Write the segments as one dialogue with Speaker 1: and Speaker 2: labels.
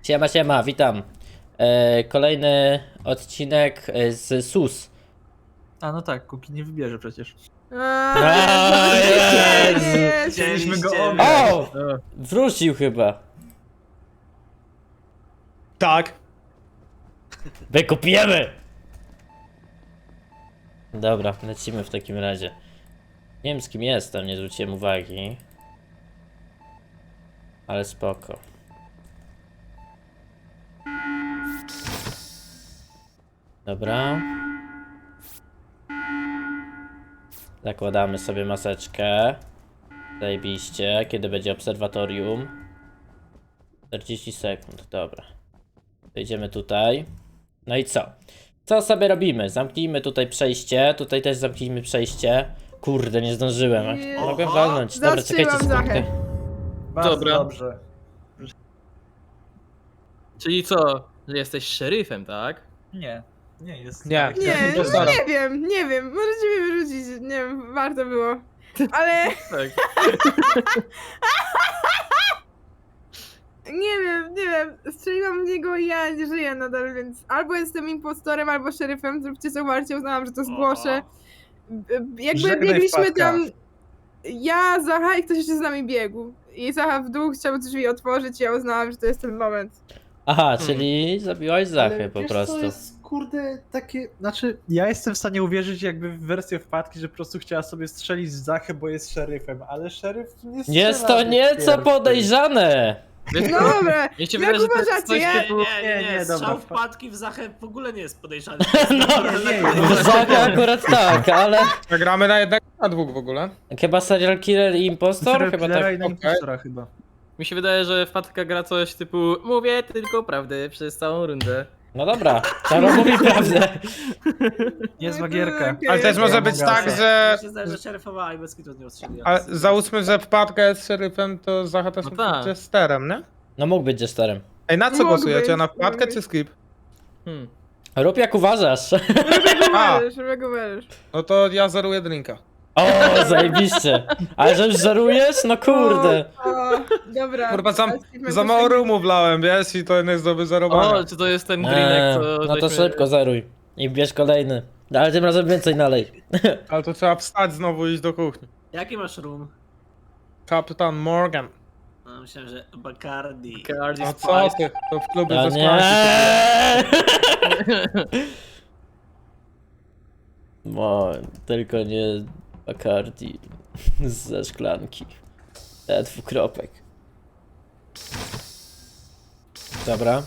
Speaker 1: Siema, siema, witam. Kolejny odcinek z SUS.
Speaker 2: A no tak, Kuki nie wybierze przecież.
Speaker 1: Jezu.
Speaker 2: Chcieliśmy go
Speaker 1: O! Wrócił chyba.
Speaker 3: Tak.
Speaker 1: Wykupiemy! Dobra, lecimy w takim razie. Nie wiem z kim jestem, nie zwróciłem uwagi. Ale spoko. Dobra. Zakładamy sobie maseczkę. Zajebiście. Kiedy będzie obserwatorium? 40 sekund, dobra. Wejdziemy tutaj. No i co? Co sobie robimy? Zamknijmy tutaj przejście. Tutaj też zamknijmy przejście. Kurde, nie zdążyłem. Mogłem walnąć. Dobra, czekajcie
Speaker 4: Zastrzeliłam
Speaker 1: sekundkę.
Speaker 2: Bardzo
Speaker 3: Dobra.
Speaker 2: dobrze.
Speaker 3: Czyli co? Że jesteś szeryfem, tak?
Speaker 2: Nie, nie jest.
Speaker 3: Nie.
Speaker 4: Nie,
Speaker 3: Ja
Speaker 4: no
Speaker 3: postaram.
Speaker 4: nie wiem, możecie mnie wyrzucić, nie wiem, warto było. Ale
Speaker 3: Tak.
Speaker 4: nie wiem, strzeliłam w niego i ja nie żyję nadal, więc albo jestem impostorem, albo szeryfem, zróbcie co warcie, uznałam, że to zgłoszę. Jakby
Speaker 2: Żegnaj
Speaker 4: biegliśmy
Speaker 2: wpadka.
Speaker 4: tam, ja, Zacha i ktoś jeszcze z nami biegł. I Zacha w dół chciał drzwi otworzyć i ja uznałam, że to jest ten moment.
Speaker 1: Aha, czyli zabiłaś Zachę po prostu.
Speaker 2: To jest kurde takie. Znaczy, ja jestem w stanie uwierzyć jakby w wersję wpadki, że po prostu chciała sobie strzelić z Zachy, bo jest szeryfem, ale szeryf nie strzela.
Speaker 1: Jest to
Speaker 2: do
Speaker 1: nieco
Speaker 2: pierwszej.
Speaker 1: podejrzane.
Speaker 4: No dobra,
Speaker 3: Mnie się
Speaker 4: jak
Speaker 3: wydaje, że to jest
Speaker 4: uważacie?
Speaker 3: coś
Speaker 4: Ja-
Speaker 3: typu...
Speaker 2: Nie, dobra.
Speaker 5: Strzał wpadki w Zachę w ogóle nie jest podejrzany.
Speaker 1: No, Zacha akurat tak, ale
Speaker 6: Gramy na jednego, na dwóch w ogóle.
Speaker 1: chyba serial killer i impostor?
Speaker 2: Serial
Speaker 1: Chyba
Speaker 2: killera
Speaker 1: tak.
Speaker 2: i na impostora chyba.
Speaker 3: Mi się wydaje, że wpadka gra coś typu mówię tylko prawdę przez całą rundę.
Speaker 1: No dobra, Czaro mówi prawdę.
Speaker 2: Niezła gierka.
Speaker 4: Okej.
Speaker 6: Ale też może być tak, że...
Speaker 5: Mi się zdaje, że szeryfowa i bez kitu nie ostrzeliła.
Speaker 6: Ale załóżmy, że wpadka jest szeryfem, to Zacha też
Speaker 3: No
Speaker 6: no
Speaker 3: tak.
Speaker 6: jesterem, nie?
Speaker 1: No mógł być jesterem.
Speaker 6: Ej, na co
Speaker 4: Mógł
Speaker 6: głosujecie?
Speaker 4: być,
Speaker 6: Na wpadkę
Speaker 4: mógł
Speaker 6: czy skip?
Speaker 1: Rób jak uważasz.
Speaker 6: A.
Speaker 4: Szybko uwierzysz.
Speaker 6: No to ja zeruję drinka.
Speaker 1: O, zajebiście. Ale że już żarujesz? No kurde.
Speaker 4: O, dobra.
Speaker 6: Kurwa,
Speaker 4: Achievement
Speaker 6: za mało
Speaker 4: też
Speaker 6: rumu wlałem, wiesz? I to nie jest do wyzerowania.
Speaker 3: O, czy to jest ten grinek, co
Speaker 1: No to
Speaker 3: żeśmy-
Speaker 1: szybko zeruj. I bierz kolejny. Ale tym razem więcej nalej.
Speaker 6: Ale to trzeba wstać znowu i iść do kuchni.
Speaker 5: Jaki masz room?
Speaker 6: Kapitan Morgan.
Speaker 5: No, myślałem, że Bacardi.
Speaker 3: Cardi
Speaker 6: No co
Speaker 3: Spice.
Speaker 6: ty? To w klubie
Speaker 1: No
Speaker 6: ze
Speaker 1: nie.
Speaker 6: szklanki.
Speaker 1: No, tylko nie Bacardi ze szklanki. Dwukropek. Dobra.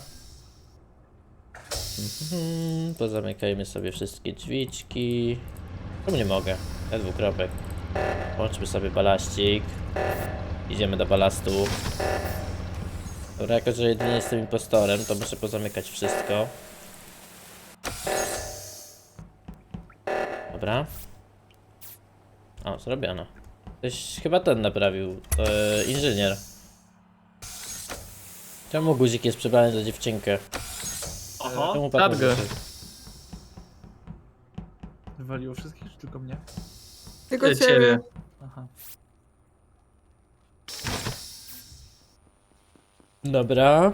Speaker 1: Pozamykajmy sobie wszystkie drzwiczki. Czemu nie mogę? Dwukropek. Włączmy sobie balaścik. Idziemy do balastu. Dobra, jako że jedynie jestem impostorem, to muszę pozamykać wszystko. Dobra. O, zrobiono. Ktoś chyba ten naprawił. Inżynier. Czemu guzik jest przebrany za dziewczynkę?
Speaker 5: Oho,
Speaker 1: Czemu
Speaker 3: Radgę.
Speaker 1: wyszedł?
Speaker 2: Wywaliło wszystkich, czy tylko mnie?
Speaker 4: Tylko
Speaker 3: Ciebie.
Speaker 4: ciebie.
Speaker 2: Aha.
Speaker 1: Dobra.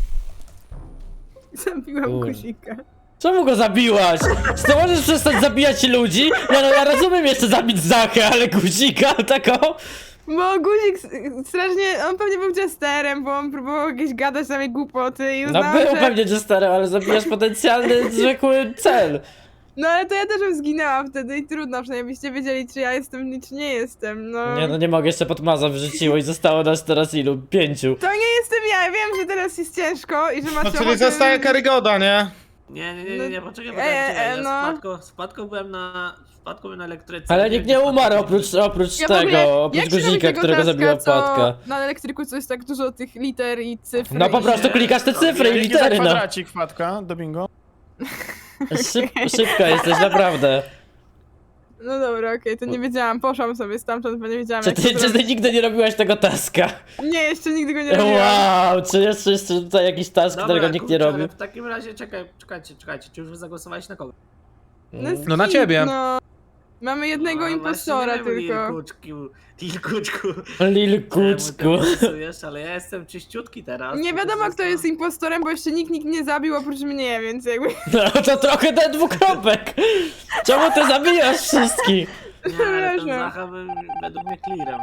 Speaker 4: Zabiłam
Speaker 1: Kurde.
Speaker 4: guzika.
Speaker 1: Czemu go zabiłaś? Czy ty możesz przestać zabijać ludzi? Ja rozumiem jeszcze zabić Zachę, ale guzika tako?
Speaker 4: Bo guzik strasznie, on pewnie był jesterem, bo on próbował jakieś gadać na mnie głupoty i
Speaker 1: No
Speaker 4: uznałam,
Speaker 1: był
Speaker 4: że...
Speaker 1: pewnie jesterem, ale zabijasz potencjalny, zwykły cel.
Speaker 4: No ale to ja też bym zginęła wtedy i trudno, przynajmniej byście wiedzieli, czy ja jestem, czy nie jestem, no.
Speaker 1: Nie no nie mogę, jeszcze Podmaza wrzuciło i zostało nas teraz ilu? 5.
Speaker 4: To nie jestem ja, wiem, że teraz jest ciężko i że macie
Speaker 6: No czyli
Speaker 4: ochotę...
Speaker 6: zostaje Karygoda, nie?
Speaker 5: nie, poczekaj,
Speaker 4: no.
Speaker 5: Ja z wpadką byłem na elektryce.
Speaker 1: Ale
Speaker 5: Nie
Speaker 1: nikt
Speaker 5: wiem,
Speaker 1: nie
Speaker 5: gdzie
Speaker 1: umarł
Speaker 5: wpadka
Speaker 1: oprócz
Speaker 4: Ja w ogóle-
Speaker 1: tego, oprócz
Speaker 4: jak się robi
Speaker 1: guzika,
Speaker 4: tego
Speaker 1: którego
Speaker 4: taska,
Speaker 1: zabiła
Speaker 4: co
Speaker 1: wpadka.
Speaker 4: Na elektryku co jest tak dużo tych liter i cyfr.
Speaker 1: No po
Speaker 4: i-
Speaker 1: prostu klikasz te cyfry i
Speaker 6: Dzięki za
Speaker 1: litery, no.
Speaker 6: kwadracik, wpadka, do bingo.
Speaker 1: Szybka jesteś, naprawdę.
Speaker 4: No dobra, okej, to nie wiedziałam, poszłam sobie stamtąd, bo nie wiedziałam
Speaker 1: Czy
Speaker 4: jak to
Speaker 1: ty
Speaker 4: zrobić.
Speaker 1: nigdy nie robiłaś tego taska?
Speaker 4: Nie, jeszcze nigdy go nie robiłam.
Speaker 1: Wow, czy jest jeszcze tutaj jakiś task,
Speaker 5: Dobra,
Speaker 1: którego nikt nie
Speaker 5: kurczę,
Speaker 1: robi?
Speaker 5: ale w takim razie czekajcie, czy już wy zagłosowaliście na kogo?
Speaker 6: No na
Speaker 4: skip,
Speaker 6: ciebie.
Speaker 4: No, Mamy jednego
Speaker 5: No,
Speaker 4: impostora
Speaker 5: właśnie nie wiem,
Speaker 4: tylko.
Speaker 5: Lilkuczku.
Speaker 1: Lil Kuczku.
Speaker 5: Czemu ty pasujesz, ale ja jestem czyściutki teraz.
Speaker 4: Nie
Speaker 5: to
Speaker 4: wiadomo,
Speaker 5: też
Speaker 4: kto jest impostorem, bo jeszcze nikt nie zabił oprócz mnie, więc jakby...
Speaker 1: No to trochę ten dwukropek. Czemu ty zabijasz wszystkich?
Speaker 5: Nie, ale ten
Speaker 4: Przepraszam.
Speaker 5: Zacha był według mnie clearem.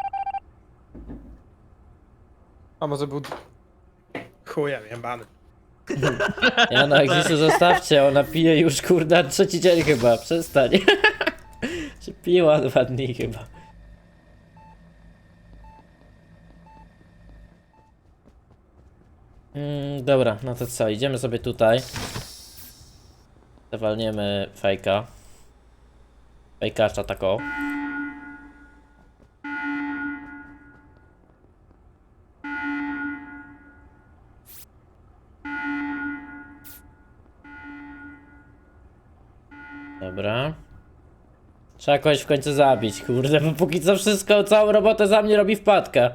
Speaker 6: A może był... Chujem jebany.
Speaker 1: Ja no Egzisu zostawcie, ona pije już kurda 3. dzień chyba, przestań. Czy piła 2 dni chyba. Dobra, no to co, idziemy sobie tutaj. Zawalniemy fejka. Fejkacza tako. Dobra. Trzeba kogoś w końcu zabić, kurde, bo póki co wszystko, całą robotę za mnie robi wpadka.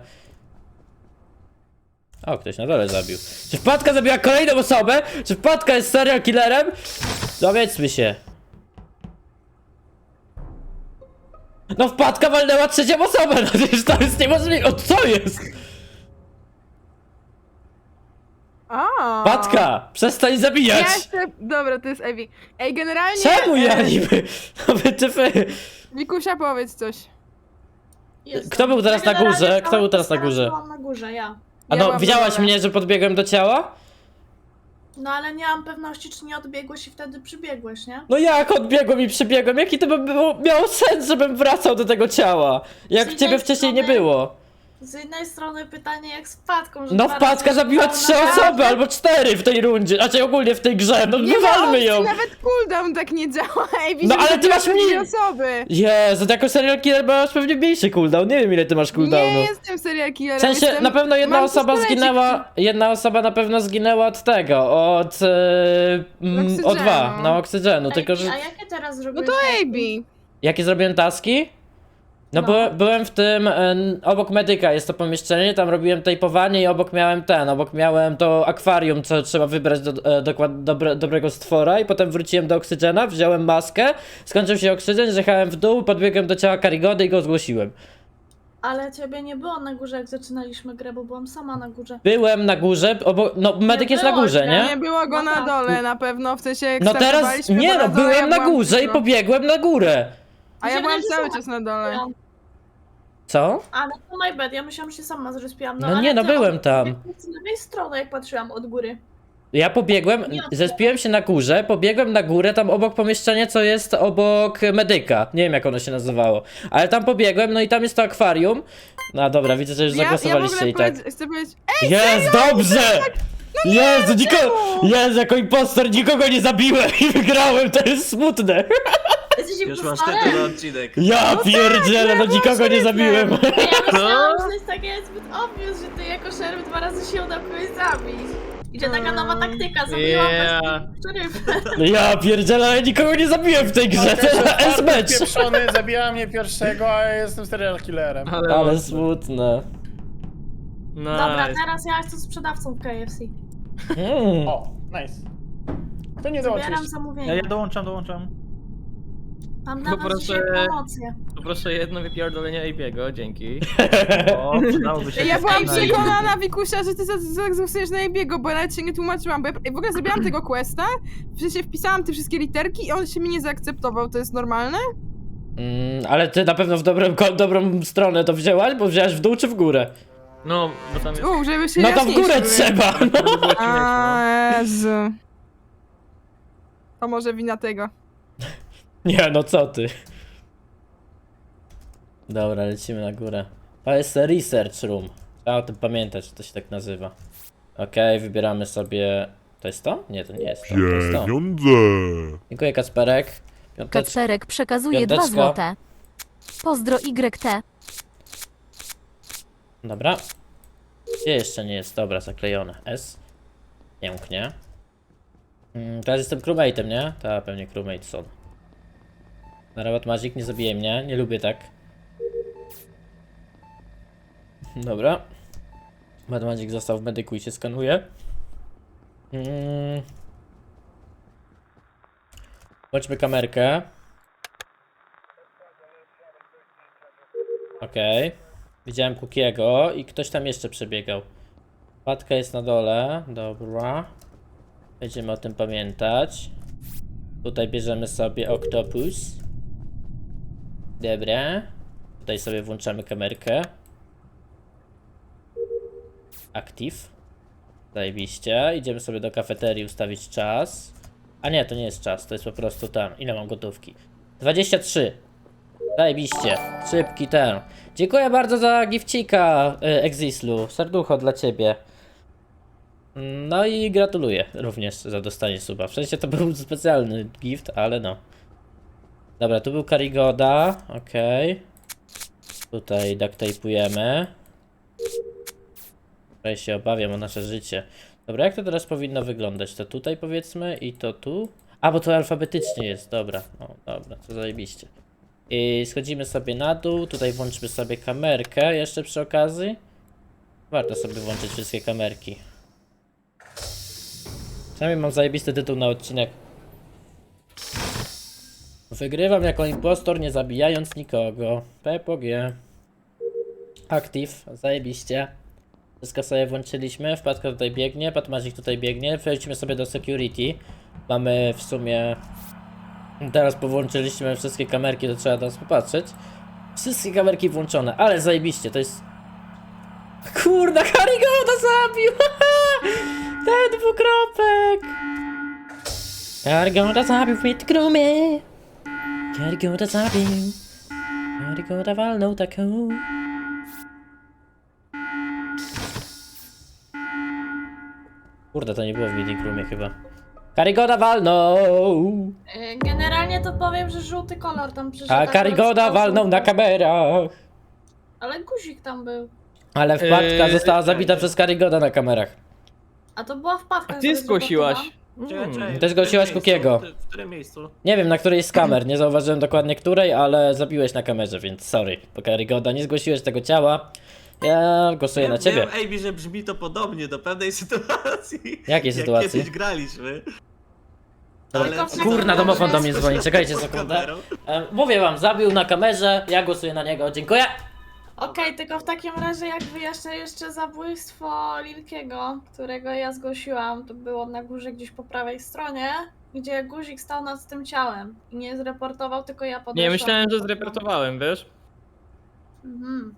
Speaker 1: O, ktoś na dole zabił. Czy wpadka zabiła kolejną osobę? Czy wpadka jest serial killerem? Dowiedzmy się. No wpadka walnęła 3. osobę, no przecież to jest niemożliwe. O, co jest?
Speaker 4: A.
Speaker 1: Wpadka, przestań
Speaker 4: Ja
Speaker 1: zabijać.
Speaker 4: jeszcze... Dobra, to jest Ewi. Ej, generalnie...
Speaker 1: Czemu ja niby? No wytyfy.
Speaker 4: Wikusia, powiedz coś.
Speaker 7: Jestem.
Speaker 1: Kto był teraz na
Speaker 7: Generalnie
Speaker 1: górze? Kto był teraz na górze?
Speaker 7: byłam na górze, ja.
Speaker 1: A
Speaker 4: Ja
Speaker 1: no,
Speaker 4: byłam
Speaker 1: widziałaś
Speaker 4: na dole.
Speaker 1: mnie, że podbiegłem do ciała?
Speaker 7: No ale nie mam pewności, czy nie odbiegłeś i wtedy przybiegłeś, nie?
Speaker 1: No jak odbiegłem i przybiegłem? Jaki to by miało sens, żebym wracał do tego ciała? Jak
Speaker 7: Z
Speaker 1: ciebie
Speaker 7: jednej
Speaker 1: wcześniej nie
Speaker 7: strony-
Speaker 1: było.
Speaker 7: Z jednej strony pytanie jak z wpadką, że
Speaker 1: No
Speaker 7: dwa
Speaker 1: wpadka
Speaker 7: razy
Speaker 1: zabiła
Speaker 7: się
Speaker 1: 3
Speaker 7: udało
Speaker 1: osoby
Speaker 7: na-
Speaker 1: albo 4 w tej rundzie, znaczy ogólnie w tej grze, no
Speaker 4: Nie ma
Speaker 1: wywalmy
Speaker 4: opcji,
Speaker 1: ją.
Speaker 4: nawet cooldown tak nie działa. Ewi,
Speaker 1: No
Speaker 4: żeby
Speaker 1: ale ty
Speaker 4: zabiła
Speaker 1: masz
Speaker 4: dwie
Speaker 1: mniej-
Speaker 4: osoby.
Speaker 1: Jezu, to jako serial killer masz pewnie mniejszy cooldown, nie wiem ile ty masz cooldownu.
Speaker 4: Nie jestem serial killerem.
Speaker 1: W sensie,
Speaker 4: jestem...
Speaker 1: na pewno jedna
Speaker 4: mam
Speaker 1: osoba
Speaker 4: pistolecik.
Speaker 1: zginęła, jedna osoba na pewno zginęła od tego, od
Speaker 4: Oksygenu.
Speaker 1: O2, na oksygenu,
Speaker 7: Ej,
Speaker 1: tylko że...
Speaker 7: A jakie teraz
Speaker 4: No
Speaker 7: zrobiłeś?
Speaker 4: to
Speaker 7: taski?
Speaker 4: Ebi.
Speaker 1: Jakie zrobiłem taski? No,
Speaker 7: No.
Speaker 1: byłem w tym, obok medyka jest to pomieszczenie, tam robiłem tejpowanie i obok miałem to akwarium, co trzeba wybrać dobrego stwora i potem wróciłem do oksygena, wziąłem maskę, skończył się oksygen, zjechałem w dół, podbiegłem do ciała Karigody i go zgłosiłem.
Speaker 7: Ale ciebie nie było na górze, jak zaczynaliśmy grę, bo byłam sama na górze.
Speaker 1: Byłem na górze, no medyk jest na
Speaker 7: było
Speaker 1: górze,
Speaker 7: cię,
Speaker 1: nie?
Speaker 4: Nie było go
Speaker 7: No
Speaker 4: na
Speaker 7: tak.
Speaker 4: dole na pewno, w sensie jak
Speaker 1: No teraz,
Speaker 4: startowaliśmy,
Speaker 1: nie
Speaker 4: to
Speaker 1: no,
Speaker 4: na dole,
Speaker 1: byłem
Speaker 4: ja
Speaker 1: na
Speaker 4: byłam
Speaker 1: górze i
Speaker 4: tylko.
Speaker 1: pobiegłem na górę.
Speaker 4: A ja
Speaker 7: Mi się
Speaker 4: byłam
Speaker 7: wydaje, że
Speaker 4: cały
Speaker 7: sama
Speaker 4: czas na dole.
Speaker 7: byłam.
Speaker 1: Co?
Speaker 7: Ale to my bad, ja myślałam, że się sama zrespiłam.
Speaker 1: No
Speaker 7: ale
Speaker 1: nie, no
Speaker 7: ty
Speaker 1: byłem
Speaker 7: od-
Speaker 1: tam.
Speaker 7: Z lewej strony, jak patrzyłam od góry.
Speaker 1: Ja pobiegłem,
Speaker 7: Nie.
Speaker 1: zespiłem się na górze, pobiegłem na górę, tam obok pomieszczenia, co jest obok medyka. Nie wiem jak ono się nazywało. Ale tam pobiegłem, no i tam jest to akwarium. No dobra, widzę, że już zagłosowaliście i tak.
Speaker 4: Chcę powiedzieć...
Speaker 1: Jest, dobrze! Jezu, Jezu, jako impostor nikogo nie zabiłem i wygrałem, to jest smutne.
Speaker 7: Jesteś
Speaker 5: Już masz
Speaker 7: impostorem?
Speaker 5: tytuł na odcinek.
Speaker 1: Ja pierdzielę, no nikogo nie zabiłem.
Speaker 7: Ja myślałam, że to jest takie zbyt obvious, że ty jako szeryf 2 razy się udało kogoś zabić. I że taka nowa taktyka, zabiłam
Speaker 3: Yeah.
Speaker 7: szeryfem.
Speaker 1: Ja pierdzielę, ale nikogo nie zabiłem w tej grze, to jest S-match.
Speaker 6: Pieprzony zabija mnie pierwszego, a ja jestem serial killerem.
Speaker 1: Ale smutne.
Speaker 7: Dobra,
Speaker 3: Nice.
Speaker 7: teraz ja jestem sprzedawcą w KFC.
Speaker 6: O, nice. To nie dołączysz.
Speaker 7: Zbieram zamówienie.
Speaker 2: Ja dołączam.
Speaker 7: Mam dla was
Speaker 3: Poproszę-
Speaker 7: dzisiaj promocję.
Speaker 3: Poproszę jedno wypierdolenie AP'ego, dzięki.
Speaker 2: O, przydałoby się.
Speaker 4: Ja byłam
Speaker 2: Ej,
Speaker 4: przekonana, Wikusia, że ty zagłosujesz na Ebiego, bo nawet się nie tłumaczyłam, bo ja w ogóle zrobiłam tego questa, w sensie wpisałam te wszystkie literki i on się mi nie zaakceptował, to jest normalne?
Speaker 1: Ale ty na pewno w dobrą stronę to wzięłaś, bo wzięłaś w dół czy w górę?
Speaker 3: No, bo tam jest...
Speaker 4: Żeby się
Speaker 1: No to w górę
Speaker 4: jaśniejsze
Speaker 1: trzeba, no.
Speaker 3: Było ci myśl, no.
Speaker 4: A, Jezu. To może wina tego.
Speaker 1: Nie, no co ty. Dobra, lecimy na górę. To jest research room. Trzeba o tym pamiętać, że to się tak nazywa. Okej, wybieramy sobie... To jest to? Nie, to nie jest to. To jest to.
Speaker 8: Pieniądze!
Speaker 1: Dziękuję, Kacperek. Piąteczka.
Speaker 9: Kacperek przekazuje 2
Speaker 1: Piąteczka.
Speaker 9: złote. Pozdro YT.
Speaker 1: Dobra. Gdzie jeszcze nie jest? Dobra, zaklejone. S. Pięknie. Teraz jestem crewmate'em, nie? Ta pewnie crewmate są. Na Robot Magic nie zabije mnie, nie lubię tak. Dobra. Bad Magic został w medyku i się skanuje. Włączmy kamerkę. Okej. Widziałem Kukiego i ktoś tam jeszcze przebiegał. Wpadka jest na dole, dobra. Będziemy o tym pamiętać. Tutaj bierzemy sobie Octopus. Dobra. Tutaj sobie włączamy kamerkę. Active. Zajebiście. Idziemy sobie do kafeterii ustawić czas. A nie, to nie jest czas, to jest po prostu tam. Ile mam gotówki? 23. Zajebiście. Szybki ten. Dziękuję bardzo za gifcika, Exislu. Serducho dla ciebie. No i gratuluję również za dostanie suba. W sensie to był specjalny gift, ale no. Dobra, tu był Karigoda. Okej. Tutaj ducktape'ujemy. Tutaj się obawiam o nasze życie. Dobra, jak to teraz powinno wyglądać? To tutaj powiedzmy i to tu? A, bo to alfabetycznie jest, dobra. O, dobra, to zajebiście. I schodzimy sobie na dół, tutaj włączmy sobie kamerkę jeszcze przy okazji. Warto sobie włączyć wszystkie kamerki. Przynajmniej mam zajebisty tytuł na odcinek. Wygrywam jako impostor, nie zabijając nikogo. PPG. Active, zajebiście. Wszystko sobie włączyliśmy, wpadka tutaj biegnie, Patmazik tutaj biegnie, przejdźmy sobie do security. Mamy w sumie... Teraz powłączyliśmy wszystkie kamerki, to trzeba teraz popatrzeć. Wszystkie kamerki włączone, ale zajebiście, to jest... Kurna, Karigoda zabił! Ten dwukropek! Karigoda zabił w grumie. Karigoda zabił. Karigoda walnął taką. Kurde, to nie było w Meeting Roomie chyba. Karigoda walnął!
Speaker 7: Generalnie to powiem, że żółty kolor tam przyszedł.
Speaker 1: A Karigoda walnął na kamerach!
Speaker 7: Ale guzik tam był.
Speaker 1: Ale wpadka została zabita przez Karigoda na kamerach.
Speaker 7: A to była wpadka.
Speaker 3: A ty zgłosiłaś.
Speaker 1: Ty zgłosiłaś Kukiego.
Speaker 5: W którym miejscu?
Speaker 1: Nie wiem, na której z kamer, nie zauważyłem dokładnie której, ale zabiłeś na kamerze, więc sorry. Bo Karigoda, nie zgłosiłeś tego ciała. Ja głosuję na ciebie.
Speaker 5: Wiem, Ejbi, że brzmi to podobnie do pewnej sytuacji.
Speaker 1: Jakiej sytuacji?
Speaker 5: Jak kiedyś graliśmy.
Speaker 7: Ale-
Speaker 1: Kurna, domofon do mnie
Speaker 5: Skąd
Speaker 1: dzwoni,
Speaker 5: się
Speaker 1: czekajcie
Speaker 5: pod
Speaker 1: sekundę.
Speaker 5: kamerą?
Speaker 1: Mówię wam, zabił na kamerze, ja głosuję na niego, dziękuję.
Speaker 7: Okej, tylko w takim razie jak wyjaśnię jeszcze zabójstwo Lilkiego, którego ja zgłosiłam, to było na górze gdzieś po prawej stronie, gdzie guzik stał nad tym ciałem i nie zreportował, tylko ja podeszłam.
Speaker 3: Nie, myślałem, że zreportowałem, wiesz?
Speaker 7: Mhm.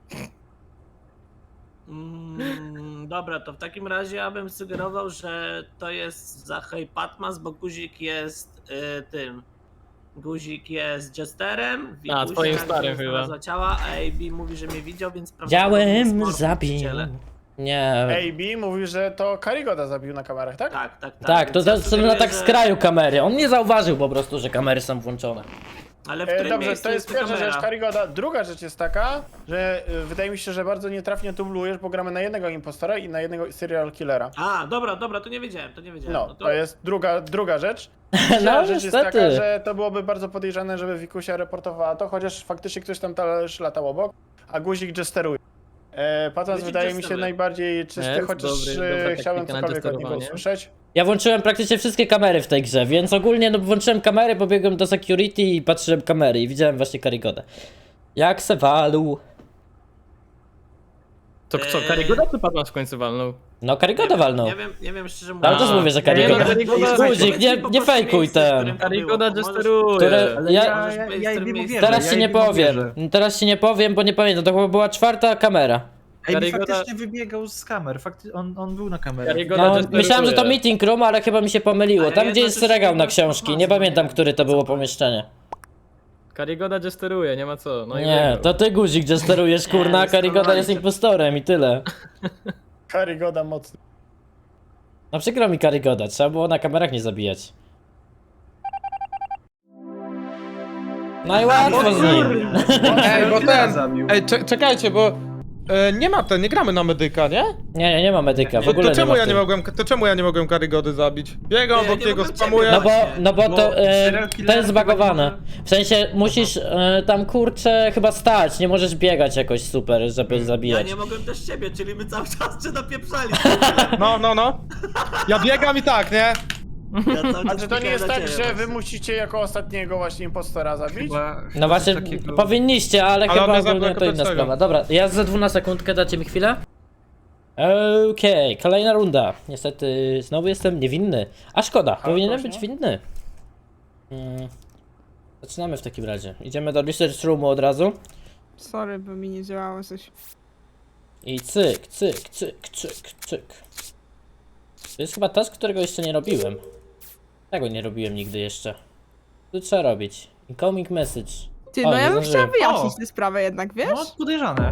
Speaker 5: Dobra, to w takim razie ja bym sugerował, że to jest Zacha i Patmas, bo guzik jest tym. Guzik jest jesterem.
Speaker 3: A, twoim starym chyba.
Speaker 5: Znalazła ciała, a AB mówi, że mnie widział, więc prawdopodobnie jest
Speaker 1: Działem
Speaker 5: mordercą w
Speaker 1: zabił.
Speaker 5: ciele.
Speaker 1: Nie.
Speaker 6: AB mówi, że to Karigoda zabił na kamerach, tak?
Speaker 5: Tak, tak, tak.
Speaker 1: Tak, to
Speaker 5: Więc ja
Speaker 1: są na
Speaker 5: sugeruję,
Speaker 1: tak
Speaker 5: że-
Speaker 1: z kraju kamery. On nie zauważył po prostu, że kamery są włączone.
Speaker 5: Ale w którym
Speaker 6: Dobrze,
Speaker 5: miejscu
Speaker 6: to jest pierwsza
Speaker 5: kamera?
Speaker 6: rzecz, Karigoda. Druga rzecz jest taka, że wydaje mi się, że bardzo nietrafnie dublujesz, bo gramy na jednego impostora i na jednego serial killera.
Speaker 5: A, dobra, to nie wiedziałem,
Speaker 6: No, to jest druga rzecz.
Speaker 1: No,
Speaker 6: Trzecia rzecz jest taka,
Speaker 1: niestety.
Speaker 6: że to byłoby bardzo podejrzane, żeby Wikusia reportowała to, chociaż faktycznie ktoś tam też latał obok, a guzik jesteruje. Patmas
Speaker 5: Guzik
Speaker 6: wydaje mi się
Speaker 5: jesteruje.
Speaker 6: najbardziej czysty,
Speaker 3: Jest
Speaker 6: chociaż
Speaker 3: dobra
Speaker 6: chciałem
Speaker 3: taktyka na
Speaker 6: cokolwiek od niego
Speaker 3: jesterowanie.
Speaker 6: usłyszeć.
Speaker 1: Ja włączyłem praktycznie wszystkie kamery w tej grze, więc ogólnie no włączyłem kamery, pobiegłem do security i patrzyłem kamery i widziałem właśnie Karigodę. Jak se walł.
Speaker 3: To co, Karigoda czy Patmas w końcu walnął?
Speaker 1: No Karigoda walnął.
Speaker 5: Nie wiem szczerze mówiąc.
Speaker 1: Ale też mówię, że
Speaker 3: Ja nie
Speaker 1: Karigoda.
Speaker 3: wiem, Karigoda-
Speaker 1: Guzik, nie fejkuj ten.
Speaker 3: Karigoda
Speaker 1: Które-
Speaker 3: jesteruje.
Speaker 2: Ale
Speaker 1: Ja-
Speaker 2: ja jej mu wierzę.
Speaker 1: Teraz
Speaker 2: ja
Speaker 1: ci
Speaker 2: jej
Speaker 1: nie
Speaker 2: mu
Speaker 1: powiem.
Speaker 2: wierzę.
Speaker 1: Teraz ci nie powiem, bo nie pamiętam. To chyba była 4. kamera.
Speaker 2: Ej,
Speaker 3: Karigoda-
Speaker 2: faktycznie wybiegał z kamer, on był na kamerze.
Speaker 3: Karigoda
Speaker 1: No,
Speaker 3: jesteruje.
Speaker 1: myślałem, że to meeting room, ale chyba mi się pomyliło.
Speaker 5: Ale
Speaker 1: Tam gdzie jest
Speaker 5: jednocześnie
Speaker 1: regał na
Speaker 5: nie
Speaker 1: książki.
Speaker 5: wiem,
Speaker 1: Nie pamiętam,
Speaker 5: nie
Speaker 1: który to
Speaker 5: wiem,
Speaker 1: było
Speaker 5: co to
Speaker 1: pomieszczenie.
Speaker 3: Karigoda jesteruje, nie ma co. No i
Speaker 1: Nie,
Speaker 3: wygrał.
Speaker 1: to ty guzik, gdzie sterujesz, kurna, a
Speaker 5: jest
Speaker 1: Karigoda
Speaker 5: normalnie.
Speaker 1: jest impostorem i tyle.
Speaker 6: Karigoda mocny.
Speaker 1: No przykro mi Karigoda, trzeba było na kamerach nie zabijać. No i łatwo z nim.
Speaker 8: Ej, bo
Speaker 2: Killera
Speaker 8: ten.
Speaker 2: zabił.
Speaker 8: Ej, czekajcie, bo nie gramy na medyka, nie?
Speaker 1: Nie ma medyka, w
Speaker 8: To,
Speaker 1: ogóle
Speaker 8: to, czemu
Speaker 1: nie ma
Speaker 8: ja
Speaker 1: w
Speaker 8: nie
Speaker 1: tym.
Speaker 8: mogłem, to czemu ja nie mogłem Karigody zabić? Biegam
Speaker 5: Nie,
Speaker 8: obok
Speaker 5: nie
Speaker 8: niego,
Speaker 5: mogłem
Speaker 8: spamuję.
Speaker 5: ciebie
Speaker 1: No bo to
Speaker 2: serial killer
Speaker 1: to jest
Speaker 2: chyba
Speaker 1: zbagowane.
Speaker 2: nie
Speaker 1: W sensie musisz tam kurczę chyba stać, nie możesz biegać jakoś super, żeby
Speaker 5: Ja
Speaker 1: zabijać.
Speaker 5: nie mogłem też ciebie, czyli my cały czas cię napieprzali.
Speaker 8: No. Ja biegam i tak, nie?
Speaker 5: Ja cały
Speaker 6: A
Speaker 5: czas
Speaker 6: czy to nie
Speaker 5: czekałem
Speaker 6: jest
Speaker 5: na
Speaker 6: tak,
Speaker 5: ciebie
Speaker 6: że wy
Speaker 5: właśnie.
Speaker 6: musicie jako ostatniego właśnie impostora zabić?
Speaker 1: No właśnie, powinniście, ale
Speaker 8: Ale
Speaker 1: chyba
Speaker 8: on mnie
Speaker 1: ogólnie
Speaker 8: zabrał
Speaker 1: to inna
Speaker 8: pierwszego.
Speaker 1: sprawa. Dobra, ja za 12 sekundkę, dacie mi chwilę? Okej, kolejna runda. Niestety znowu jestem niewinny. A szkoda, powinienem być winny. Zaczynamy w takim razie. Idziemy do research roomu od razu.
Speaker 4: Sorry, bo mi nie działało coś.
Speaker 1: I cyk, cyk, cyk, cyk, cyk. To jest chyba task, którego jeszcze nie robiłem. Tego nie robiłem nigdy jeszcze. Tu trzeba robić. Incoming message.
Speaker 4: Ty,
Speaker 1: O,
Speaker 4: no
Speaker 1: nie
Speaker 4: ja bym chciała
Speaker 1: zdążyłem.
Speaker 4: wyjaśnić
Speaker 2: O!
Speaker 4: tę sprawę jednak, wiesz?
Speaker 2: No, podejrzane.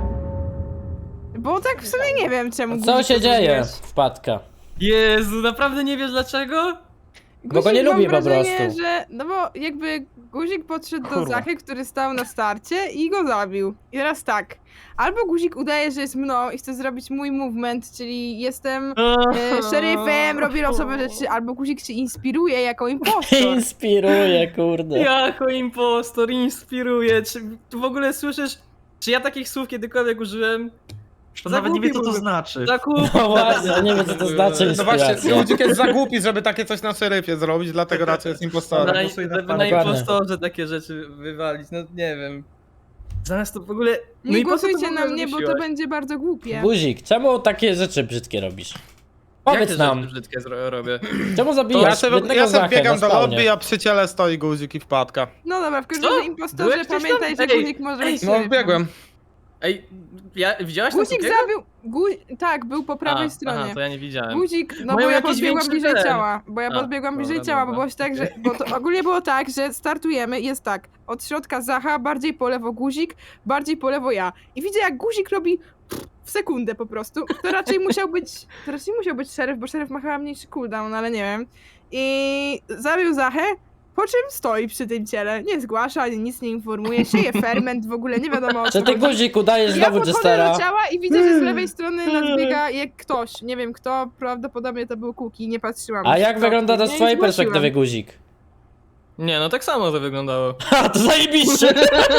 Speaker 4: Bo tak w sumie nie wiem, czemu
Speaker 1: Co
Speaker 4: guzik
Speaker 1: się
Speaker 4: to
Speaker 1: dzieje?
Speaker 4: zrobiłeś.
Speaker 1: Wpadka.
Speaker 3: Jezu, naprawdę nie wiesz dlaczego?
Speaker 1: Bo go
Speaker 4: Guzik,
Speaker 1: nie
Speaker 4: mam
Speaker 1: lubię po
Speaker 4: wrażenie,
Speaker 1: prostu.
Speaker 4: Że, no bo jakby guzik podszedł do
Speaker 2: Kurwa.
Speaker 4: Zachy, który stał na starcie i go zabił. I teraz tak. Albo guzik udaje, że jest mną i chce zrobić mój movement, czyli jestem szeryfem, robię losowe rzeczy, albo guzik się inspiruje jako impostor.
Speaker 1: Inspiruje, kurde.
Speaker 3: Jako impostor inspiruje. Czy w ogóle słyszysz, czy ja takich słów kiedykolwiek użyłem?
Speaker 2: To nawet nie wie, co to
Speaker 3: Zagłupiłbym.
Speaker 2: znaczy.
Speaker 1: No właśnie, ja nie wiem co to znaczy
Speaker 8: No właśnie,
Speaker 1: inspiracja.
Speaker 8: Ludzik jest za głupi, żeby takie coś na szeryfie zrobić, dlatego raczej jest impostorem.
Speaker 2: głosuję na
Speaker 3: Żeby
Speaker 2: pana.
Speaker 3: na
Speaker 1: Dokładnie.
Speaker 3: impostorze takie rzeczy wywalić, no nie wiem. Zamiast to w ogóle... No
Speaker 4: Nie
Speaker 3: i po co to w
Speaker 4: głosujcie
Speaker 3: ogóle
Speaker 4: na mnie, bo to
Speaker 3: wymyśliłaś?
Speaker 4: będzie bardzo głupie.
Speaker 1: Guzik, czemu takie rzeczy brzydkie robisz?
Speaker 3: Jak
Speaker 1: Powiedz
Speaker 3: te
Speaker 1: nam,
Speaker 3: rzeczy brzydkie robię?
Speaker 1: czemu
Speaker 8: To
Speaker 1: zabijasz jednego
Speaker 8: ja sobie
Speaker 1: Zachę
Speaker 8: biegam
Speaker 1: na
Speaker 8: do
Speaker 1: spawnie?
Speaker 8: lobby, a przy ciele stoi guzik i wpadka.
Speaker 4: No dobra, w każdym
Speaker 3: Co?
Speaker 4: razie impostorze
Speaker 3: Byłeś gdzieś tam?
Speaker 4: pamiętaj, że
Speaker 3: Ej,
Speaker 4: guzik może być
Speaker 8: No
Speaker 4: szeryfem.
Speaker 8: biegłem.
Speaker 3: Ej, widziałaś tam
Speaker 4: Guzik
Speaker 3: Sukiego?
Speaker 4: zabił... Tak, był po prawej stronie.
Speaker 3: Aha, to ja nie widziałem.
Speaker 4: Guzik, no
Speaker 3: Mają
Speaker 4: bo ja
Speaker 3: jakiś
Speaker 4: podbiegłam
Speaker 3: większy
Speaker 4: bliżej
Speaker 3: ten.
Speaker 4: ciała, bo ja
Speaker 3: A,
Speaker 4: podbiegłam bliżej
Speaker 3: dobra,
Speaker 4: ciała, bo
Speaker 3: dobra.
Speaker 4: było tak, że, bo to ogólnie było tak, że startujemy, jest tak, od środka Zacha, bardziej po lewo guzik, bardziej po lewo ja. I widzę jak guzik robi w sekundę po prostu, to raczej musiał być szeryf, bo szeryf ma chyba mniejszy cooldown, ale nie wiem. I zabił Zachę, po czym stoi przy tym ciele, nie zgłasza, ani nic nie informuje, sieje ferment, w ogóle nie wiadomo o co
Speaker 1: Czy ty
Speaker 4: chodzi.
Speaker 1: Guzik udajesz
Speaker 4: Ja
Speaker 1: znowu
Speaker 4: podchodzę
Speaker 1: Jestera?
Speaker 4: do ciała i widzę, że z lewej strony nadbiega jak ktoś. Nie wiem kto, prawdopodobnie to był Kuki, nie patrzyłam.
Speaker 1: A
Speaker 4: już
Speaker 1: jak
Speaker 4: kto.
Speaker 1: wygląda to z
Speaker 4: Nie,
Speaker 1: twojej
Speaker 4: zgłosiłam.
Speaker 1: perspektywy Guzik?
Speaker 3: Nie, no tak samo to wyglądało.
Speaker 1: Ha, to zajebiście!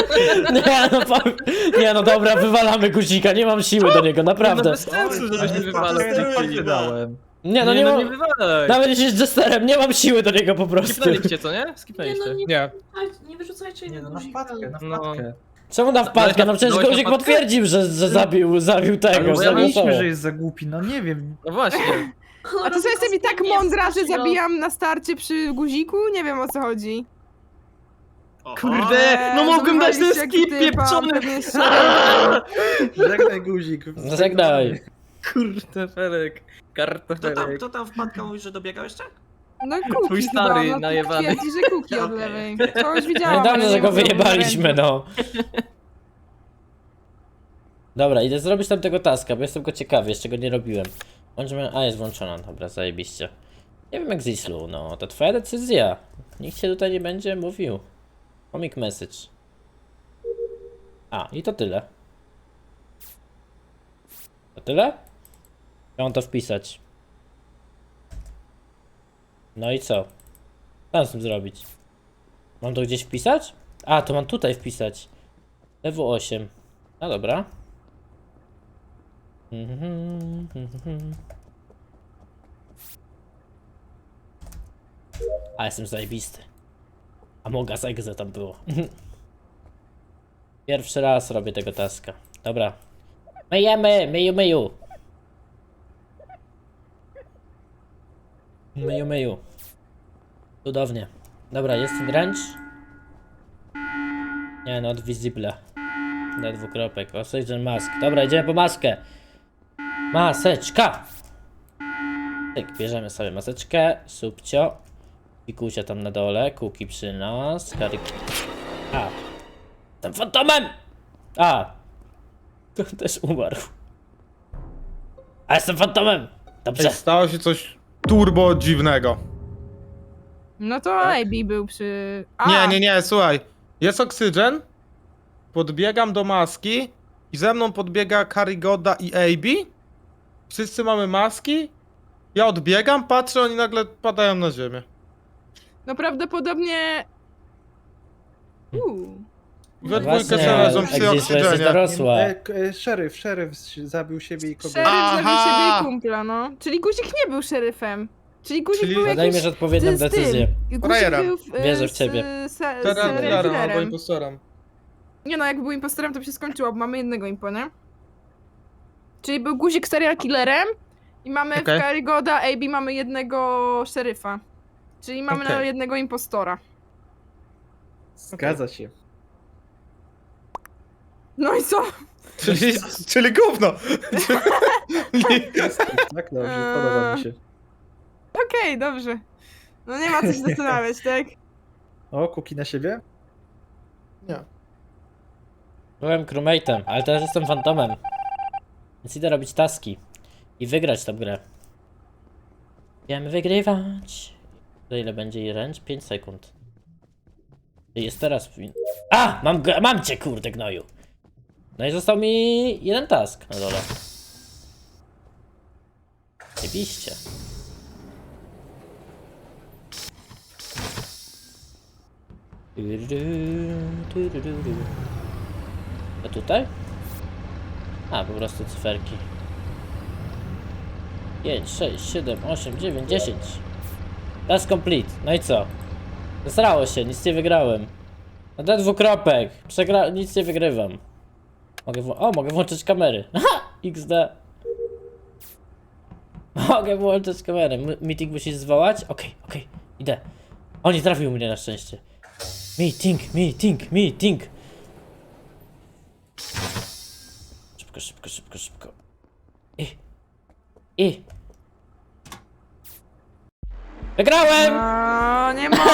Speaker 1: Nie no dobra, wywalamy Guzika, nie mam siły do niego,
Speaker 3: No
Speaker 1: naprawdę.
Speaker 3: bez sensu, żebyśmy
Speaker 2: Ale
Speaker 3: wywalali.
Speaker 2: patrzcie, dałem.
Speaker 1: Nie no nie
Speaker 3: nie
Speaker 1: mam...
Speaker 3: wywalaj.
Speaker 1: Nawet jeśli jest Jesterem, nie mam siły do niego po prostu.
Speaker 3: Skipnęliście, co nie?
Speaker 7: Nie no,
Speaker 3: Skipnęliście.
Speaker 8: Nie.
Speaker 7: nie wyrzucajcie
Speaker 2: Nie
Speaker 7: innego
Speaker 2: no, na
Speaker 7: guzika.
Speaker 2: wpadkę, na
Speaker 3: No.
Speaker 2: wpadkę.
Speaker 1: Czemu na wpadkę? No przecież
Speaker 3: Byłeś na
Speaker 1: Guzik
Speaker 3: wpadkę?
Speaker 1: potwierdził, że zabił tego,
Speaker 3: Ale bo ja
Speaker 1: zagłosował.
Speaker 2: Mówiliśmy, że jest za głupi, no nie wiem.
Speaker 3: No właśnie.
Speaker 4: A to co jestem i tak mądra, że zabijam na starcie przy guziku? Nie wiem o co chodzi.
Speaker 3: Kurde, no mogłem dać ten
Speaker 4: zawaliście jak
Speaker 3: skip
Speaker 4: typa,
Speaker 3: pieprzony.
Speaker 4: pewnie jest szeryfem.
Speaker 2: Żegnaj guzik.
Speaker 1: Żegnaj.
Speaker 3: Kurde, Felek. Kartofelek.
Speaker 5: Kto tam wpadka mówi, że dobiegał jeszcze?
Speaker 4: No Kuki
Speaker 3: Twój
Speaker 4: chyba,
Speaker 3: stary
Speaker 4: no
Speaker 3: najebany.
Speaker 4: twierdzi, że Kuki od
Speaker 5: Okej.
Speaker 4: lewej. To już
Speaker 1: No
Speaker 4: widziałam,
Speaker 1: i dobrze,
Speaker 4: ale
Speaker 1: że
Speaker 4: nie
Speaker 1: go
Speaker 4: mam
Speaker 1: wyjebaliśmy,
Speaker 4: ręki.
Speaker 1: no. Dobra, idę zrobić tam tego taska, bo jestem go ciekawy, jeszcze go nie robiłem. Bądźmy... A, jest włączona, dobra, zajebiście. Nie wiem jak z Islu, no, to twoja decyzja. Nikt się tutaj nie będzie mówił. Comic message. A, i to tyle. To tyle? Ja mam to wpisać. No i co? Co mam z tym zrobić? Mam to gdzieś wpisać? A, to mam tutaj wpisać. Lewo 8. No dobra. A jestem zajebisty. A moga z egze tam było. Pierwszy raz robię tego taska. Dobra. Myjemy, myju. Myju. Cudownie. Dobra, jest wręcz. Nie, not visible. Na dwukropek. Oxygen mask. Dobra, idziemy po maskę. Maseczka! Tak, bierzemy sobie maseczkę. Subcio. Pikusia tam na dole. Kuki przy nas. Karik. A. Jestem fantomem! A. Też umarł. A jestem fantomem! Dobrze.
Speaker 8: Ej, stało się coś turbo dziwnego.
Speaker 4: No to AB był przy... A,
Speaker 8: Nie, słuchaj. Jest oksygen, podbiegam do maski i ze mną podbiega Karigoda i AB. Wszyscy mamy maski. Ja odbiegam, patrzę, oni nagle padają na ziemię.
Speaker 4: no prawdopodobnie...
Speaker 8: We
Speaker 1: Właśnie,
Speaker 8: dwójkę sobie leżą przy
Speaker 1: Egzis, to jesteś
Speaker 8: oksyżenie.
Speaker 1: dorosła.
Speaker 2: Szeryf zabił siebie i kogoś.
Speaker 4: Szeryf zabił
Speaker 8: Aha!
Speaker 4: siebie i kumpla, no. Czyli guzik nie był szeryfem. Czyli guzik
Speaker 8: Czyli
Speaker 4: był jakiś...
Speaker 1: Podejmiesz odpowiednią
Speaker 4: z tym.
Speaker 1: decyzję.
Speaker 4: Guzik
Speaker 8: Frajera.
Speaker 4: był
Speaker 1: Wierzę w ciebie.
Speaker 8: Teraz
Speaker 4: serial
Speaker 8: Klarą albo
Speaker 4: killerem.
Speaker 8: impostorem.
Speaker 4: Nie no, jak był impostorem, to by się skończyło, bo mamy jednego impo, nie? Czyli był guzik serial killerem i mamy
Speaker 8: Okej.
Speaker 4: w Karigoda AB mamy jednego szeryfa. Czyli mamy na
Speaker 8: Okej.
Speaker 4: jednego impostora.
Speaker 2: Zgadza się.
Speaker 4: No i co?
Speaker 8: Czyli gówno!
Speaker 2: Tak, dobrze, podoba mi się.
Speaker 4: Okej, dobrze. No nie ma co się zastanawiać, tak?
Speaker 2: O, kuki na siebie?
Speaker 8: Nie.
Speaker 1: Byłem crewmate'em, ale teraz jestem fantomem. Więc idę robić taski. I wygrać tę grę. Będziemy wygrywać. Za ile będzie jej range? 5 sekund. Jest teraz... A! Mam cię, kurde gnoju! No i został mi jeden task na dole. Jebiście. A tutaj? A, po prostu cyferki. 5, 6, 7, 8, 9, 10. Task complete. No i co? Zesrało się, nic nie wygrałem. No ten dwukropek. Nic nie wygrywam. Mogę włączyć kamery. Aha! XD. Mogę włączyć kamerę. Meeting musisz zwołać? Okej. Idę. O, nie trafił mnie na szczęście. Meeting. Szybko. Wygrałem!
Speaker 4: O, nie mogę!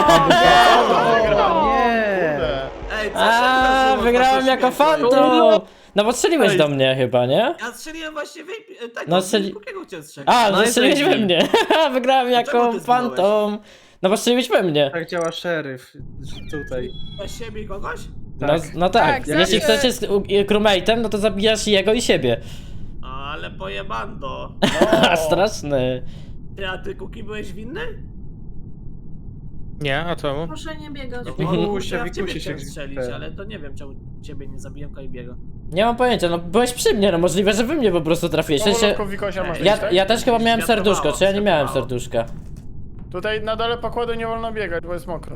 Speaker 2: Nie!
Speaker 5: Ej, co
Speaker 1: A,
Speaker 5: się
Speaker 1: wygrałem jako fantom! No bo strzeliłeś do mnie chyba, nie?
Speaker 5: Ja strzeliłem właśnie tak,
Speaker 1: No,
Speaker 5: Kukiego chciałem strzelić.
Speaker 1: A,
Speaker 3: No
Speaker 1: no
Speaker 3: i
Speaker 1: strzeliłeś we
Speaker 3: pięknie.
Speaker 1: mnie! Wygrałem jako
Speaker 5: czemu ty zginąłeś?
Speaker 1: fantom! No bo strzeliłeś we mnie!
Speaker 2: Tak działa szeryf tutaj.
Speaker 5: Na siebie i kogoś?
Speaker 1: No tak,
Speaker 4: Tak,
Speaker 1: jeśli
Speaker 4: zawsze-
Speaker 1: chcecie z crewmate'em, no to zabijasz jego i siebie.
Speaker 5: Ale pojebando.
Speaker 1: Straszny.
Speaker 5: A ty, Kuki, byłeś winny?
Speaker 8: Nie, a czemu?
Speaker 7: Proszę nie biegać.
Speaker 5: No
Speaker 1: Mhm.
Speaker 5: bo
Speaker 2: Wikusie,
Speaker 5: ja w ciebie
Speaker 2: Wikusie
Speaker 5: chciałem
Speaker 2: się
Speaker 5: strzelić,
Speaker 2: ten.
Speaker 5: ale to nie wiem, czemu ciebie nie zabiłem Kaibiego.
Speaker 1: Nie mam pojęcia, no byłeś przy mnie, no możliwe, że wy mnie po prostu trafiłeś. W sensie,
Speaker 6: Powolutku Wikosia masz iść, tak?
Speaker 1: ja też chyba miałem serduszko, czy ja nie miałem
Speaker 5: Światłowało.
Speaker 1: serduszka?
Speaker 6: Tutaj na dole pokładu nie wolno biegać, bo jest mokro.